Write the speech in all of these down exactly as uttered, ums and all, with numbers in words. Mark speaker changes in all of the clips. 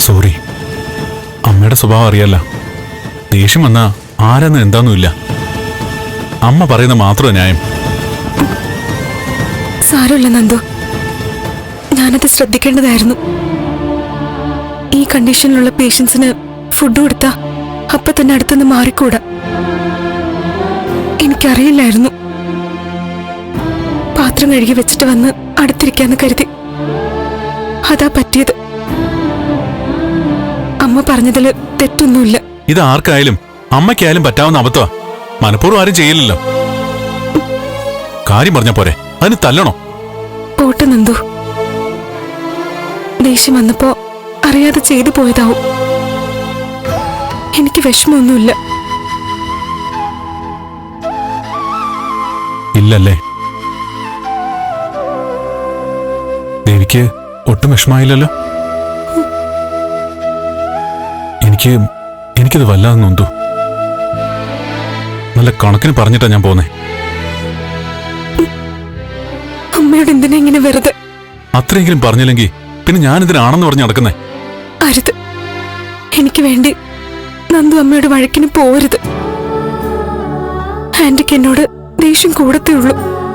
Speaker 1: Sorry. അമ്മയുടെ സ്വഭാവം അറിയാല്ല. ദേഷ്യം വന്നാ ആരെന്ന് എന്താന്നുമില്ല. അമ്മ പറയുന്ന മാത്രം ന്യായം.
Speaker 2: സാരമില്ല നന്ദു, ഞാനത് ശ്രദ്ധിക്കേണ്ടതായിരുന്നു. ഈ കണ്ടീഷനിലുള്ള പേഷ്യൻസിന് ഫുഡ് കൊടുത്താ അപ്പൊ തന്നെ അടുത്തുനിന്ന് മാറിക്കൂടാ. എനിക്കറിയില്ലായിരുന്നു. പാത്രം കഴുകി വെച്ചിട്ട് വന്ന് അടുത്തിരിക്കാന്ന് കരുതി. അതാ പറ്റിയത്. അമ്മ പറഞ്ഞതില് തെറ്റൊന്നുമില്ല.
Speaker 1: ഇത് ആർക്കായാലും അമ്മയ്ക്കായാലും പറ്റാവുന്ന അബദ്ധമാ. മനഃപൂർവ്വം ആരും ചെയ്യില്ലല്ലോ. കാര്യം പറഞ്ഞ പോരെ, അതിന് തല്ലണോ?
Speaker 2: പോട്ടെ നന്ദു, ദേഷ്യം വന്നപ്പോ അറിയാതെ ചെയ്തു പോയതാവും. എനിക്ക് വിഷമമൊന്നുമില്ല.
Speaker 1: ഇല്ലല്ലേ? ദേവിക്ക് ഒട്ടും വിഷമായില്ലല്ലോ? എനിക്ക് എനിക്കത് വല്ലാതെ നൊന്തു. നല്ല കണക്കിന് പറഞ്ഞിട്ടാ ഞാൻ പോന്നേ.
Speaker 2: അമ്മയോട് എന്തിനാ ഇങ്ങനെ വെറുതെ?
Speaker 1: അത്രയെങ്കിലും പറഞ്ഞില്ലെങ്കിൽ പിന്നെ ഞാനിതിനാണെന്ന് പറഞ്ഞ് നടക്കുന്നേ.
Speaker 2: അരുത്, എനിക്ക് വേണ്ടി നന്ദു അമ്മയോട് വഴക്കിന് പോരുത്. ആന്റിക്ക് എന്നോട് ദേഷ്യം കൂടത്തേ ഉള്ളൂ.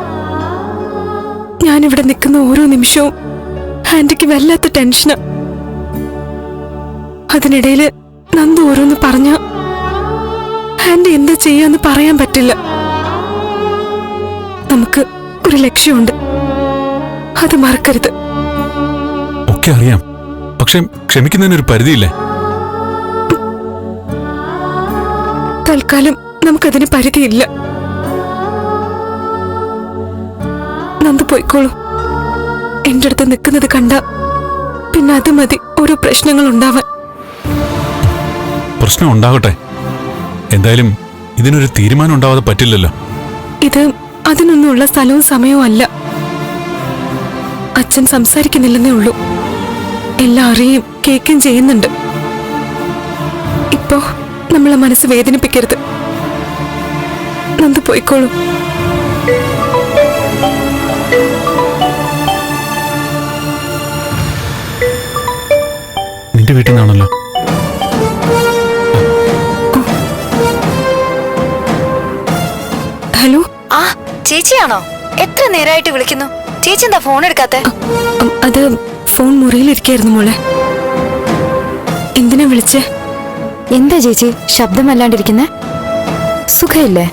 Speaker 2: ഞാനിവിടെ നിൽക്കുന്ന ഓരോ നിമിഷവും ആന്റിക്ക് വല്ലാത്ത ടെൻഷനാ. അതിനിടയില് നന്ദു ഓരോന്ന് പറഞ്ഞ ആന്റി എന്താ ചെയ്യാന്ന് പറയാൻ പറ്റില്ല. നമുക്ക് ഒരു ലക്ഷ്യമുണ്ട്, അത് മറക്കരുത്.
Speaker 1: ഒക്കെ അറിയാം, പക്ഷെ ക്ഷമിക്കുന്നതിനൊരു പരിധിയില്ലേ?
Speaker 2: തൽക്കാലം നമുക്കതിന് പരിധിയില്ല. നന്ദു പോയിക്കോളൂ. എന്റെ അടുത്ത് നിൽക്കുന്നത് കണ്ട പിന്നെ അത് മതി ഓരോ പ്രശ്നങ്ങൾ ഉണ്ടാവാൻ.
Speaker 1: പ്രശ്നം ഉണ്ടാകട്ടെ. എന്തായാലും ഇതിനൊരു തീരുമാനം ഉണ്ടാവാതെ പറ്റില്ലല്ലോ.
Speaker 2: ഇത് അതിനൊന്നുമുള്ള സ്ഥലവും സമയവും അല്ല. അച്ഛൻ സംസാരിക്കുന്നില്ലെന്നേ ഉള്ളൂ. എല്ലാം അറിയും കേൾക്കുകയും ചെയ്യുന്നുണ്ട്. ഇപ്പോ നമ്മളെ മനസ്സ് വേദനിപ്പിക്കരുത്. നന്ദു പോയിക്കോളൂ.
Speaker 1: നിന്റെ വീട്ടിൽ നിന്നാണല്ലോ.
Speaker 2: ഹലോ.
Speaker 3: ആ ചേച്ചിയാണോ? എത്ര നേരമായിട്ട് വിളിക്കുന്നു. ചേച്ചി എന്താ ഫോൺ എടുക്കാത്തെ?
Speaker 2: അത് ഫോൺ മുറിയിലിരിക്കായിരുന്നു മോളെ. എന്തിനാ വിളിച്ചേ?
Speaker 3: എന്താ ചേച്ചി ശബ്ദമല്ലാണ്ടിരിക്കുന്നേ? സുഖമില്ലേ?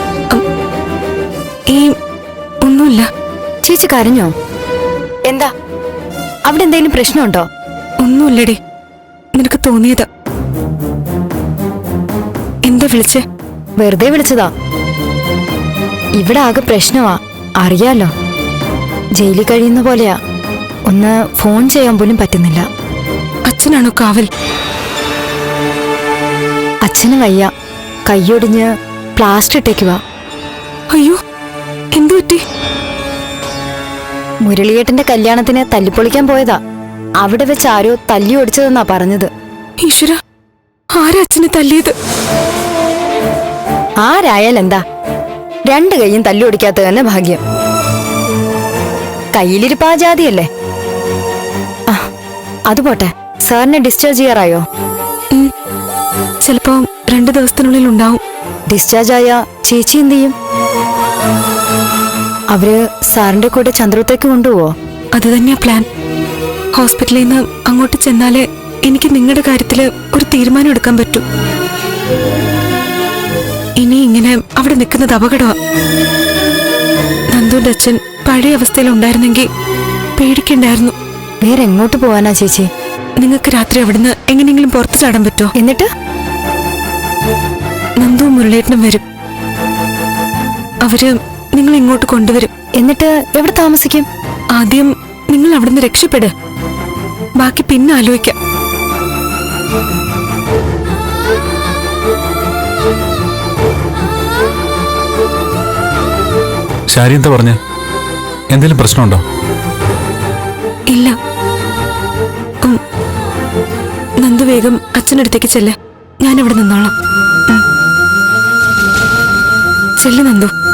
Speaker 2: ഈ ഒന്നുമില്ല.
Speaker 3: ചേച്ചി കരഞ്ഞോ? എന്താ അവിടെ എന്തെങ്കിലും പ്രശ്നമുണ്ടോ?
Speaker 2: ഒന്നുമില്ലടി, നിനക്ക് തോന്നിയതാ. എന്താ വിളിച്ചേ?
Speaker 3: വെറുതെ വിളിച്ചതാ. ഇവിടെ ആകെ പ്രശ്നമാ, അറിയാലോ. ജയിലിൽ കഴിയുന്ന പോലെയാ. ഒന്ന് ഫോൺ ചെയ്യാൻ പോലും പറ്റുന്നില്ല.
Speaker 2: അച്ഛനാണോ കാവൽ?
Speaker 3: അച്ഛന് വയ്യ, കൈയൊടിഞ്ഞ് പ്ലാസ്റ്റർ ഇട്ടേക്കുവാ.
Speaker 2: അയ്യോ, എന്തു പറ്റി?
Speaker 3: മുരളിയേട്ടന്റെ കല്യാണത്തിന് തല്ലിപ്പൊളിക്കാൻ പോയതാ. അവിടെ വെച്ച് ആരോ തല്ലി ഓടിച്ചതെന്നാ പറഞ്ഞത്.
Speaker 2: ഈശ്വര, ആരാ അച്ഛനെ തല്ലിയത്?
Speaker 3: ആരായാലെന്താ, രണ്ട് കൈയും തല്ലി ഓടിക്കാത്ത തന്നെ ഭാഗ്യം. കയ്യിലിരിപ്പാ ജാതിയല്ലേ. ആ അത് പോട്ടെ, സാറിനെ ഡിസ്ചാർജ് ചെയ്യാറായോ?
Speaker 2: ചിലപ്പോ രണ്ടു ദിവസത്തിനുള്ളിൽ ഉണ്ടാവും.
Speaker 3: ഡിസ്ചാർജ് ആയ ചേച്ചി എന്ത് ചെയ്യും? അവര് സാറിന്റെ കൂടെ ചന്ദ്രത്തേക്ക് കൊണ്ടുപോവോ?
Speaker 2: അത് തന്നെയാ പ്ലാൻ. ഹോസ്പിറ്റലിൽ നിന്ന് അങ്ങോട്ട് ചെന്നാലേ എനിക്ക് നിങ്ങളുടെ കാര്യത്തില് ഒരു തീരുമാനം എടുക്കാൻ പറ്റൂ. ഇനി ഇങ്ങനെ അവിടെ നിൽക്കുന്നത് അപകടമാ. നന്ദുന്റെ അച്ഛൻ പഴയ അവസ്ഥയിൽ ഉണ്ടായിരുന്നെങ്കിൽ പേടിക്കണ്ടായിരുന്നു.
Speaker 3: വേറെ എങ്ങോട്ട് പോവാനാ ചേച്ചി?
Speaker 2: നിങ്ങൾക്ക് രാത്രി അവിടുന്ന് എങ്ങനെയെങ്കിലും പുറത്തു ചാടാൻ പറ്റുമോ?
Speaker 3: എന്നിട്ട്
Speaker 2: നന്ദു മുരളേട്ടനും വരും. അവര് നിങ്ങൾ ഇങ്ങോട്ട് കൊണ്ടുവരും.
Speaker 3: എന്നിട്ട് എവിടെ താമസിക്കും?
Speaker 2: ആദ്യം നിങ്ങൾ അവിടുന്ന് രക്ഷപ്പെട്, ബാക്കി പിന്നെ ആലോചിക്കാം.
Speaker 1: ശാരി എന്താ പറഞ്ഞ? എന്തെങ്കിലും പ്രശ്നമുണ്ടോ?
Speaker 2: ഇല്ല. നന്ദു വേഗം അച്ഛനടുത്തേക്ക് ചെല്ല്, ഞാനിവിടെ നിന്നോളാം. ചെല്ല് നന്ദു.